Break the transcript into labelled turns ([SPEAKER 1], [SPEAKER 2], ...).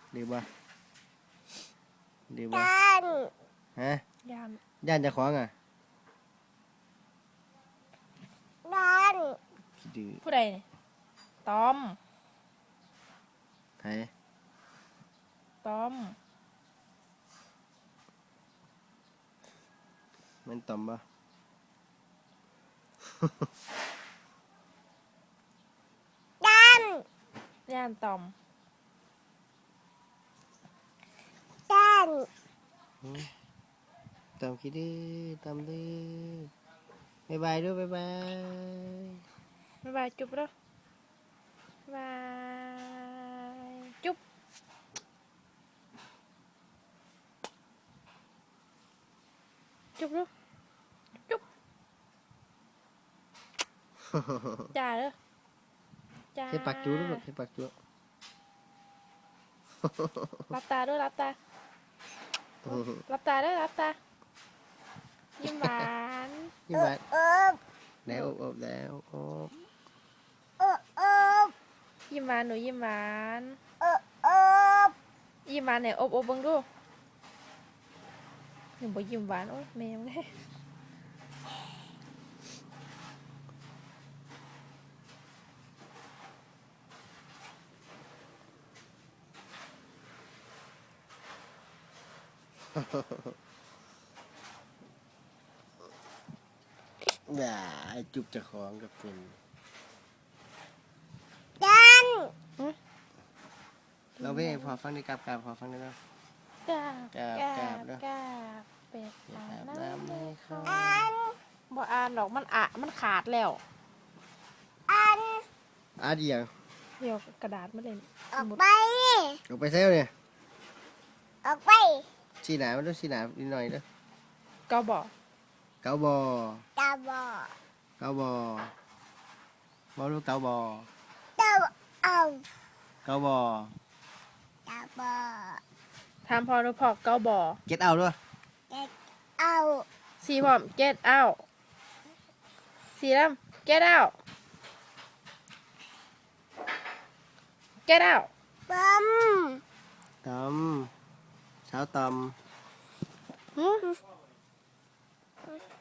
[SPEAKER 1] ดีบ่ดีบ่
[SPEAKER 2] ย่าน
[SPEAKER 1] ฮะ
[SPEAKER 3] ย่าน
[SPEAKER 1] ย่านจะคล้องอ่ะ
[SPEAKER 2] ย่าน
[SPEAKER 1] ขี้ดื้อ
[SPEAKER 3] ผู้ใดเนี่ยตอม
[SPEAKER 1] ไผ
[SPEAKER 3] ตอม
[SPEAKER 1] มันต่อมบ่
[SPEAKER 2] ย่าน
[SPEAKER 3] ย่านตอม
[SPEAKER 2] ย่าน
[SPEAKER 1] ต่อมขี้ดื้อต่อมดื้อบ๊ายบายด้วยบ๊ายบาย
[SPEAKER 3] บ๊ายบายจุ๊บแล้วบายจุ๊บจุ๊บแล้วจุ๊บจ่าเด้อจ่า
[SPEAKER 1] ให้ปากจูด้วยให้ปากจู
[SPEAKER 3] รับตาด้วยรับตารับตาด้วยรับตายิ้มหวาน
[SPEAKER 1] ยิ้มหวาน
[SPEAKER 2] เอบ
[SPEAKER 1] แล้วอบแล้วอบ
[SPEAKER 2] เอบ
[SPEAKER 3] ยิ้มหวานหนูยิ้มหวาน
[SPEAKER 2] เอบ
[SPEAKER 3] ยิ้มหวานเนี่ยอบเบิ่งดูหนูบอกยิ้มหวานโอ้ยแมวเลย
[SPEAKER 1] อย่าจุบจะคล้องกับเป็น
[SPEAKER 2] ย่าน
[SPEAKER 1] เราไม่พอฟังได้กราบพอฟังได้แล้ว
[SPEAKER 3] กราบ
[SPEAKER 1] กราบ
[SPEAKER 3] กราบ
[SPEAKER 1] เด้อ
[SPEAKER 3] กราบเป็ดอาบน้ำ
[SPEAKER 1] ไม่เข้า
[SPEAKER 2] อัน
[SPEAKER 3] บ่อ่านดอกมันขาดแล้ว
[SPEAKER 2] อัน
[SPEAKER 1] อาเดียว
[SPEAKER 3] เดี๋ยวกระดาษมาเลย
[SPEAKER 2] ออกไป
[SPEAKER 1] ออกไปเซลเนี่ย
[SPEAKER 2] ออกไป
[SPEAKER 1] สีหนามันต้องสีหนานิดหน่อยเด้อ
[SPEAKER 3] ก็บอก
[SPEAKER 1] เกาบอ
[SPEAKER 2] ตาบอด
[SPEAKER 1] เกาบอบ่รู้เกาบอ
[SPEAKER 2] ตาเอา
[SPEAKER 1] เกาบอ
[SPEAKER 2] ตาบอด
[SPEAKER 3] ถามพอหนูพอเก้าบ่อ
[SPEAKER 1] เก็ตเอาด้วย
[SPEAKER 2] เด็กเอา
[SPEAKER 3] สีพร้อม get out สีดำ get out get out
[SPEAKER 2] ปั๊ม
[SPEAKER 1] ตำเช้าตำ
[SPEAKER 3] หืม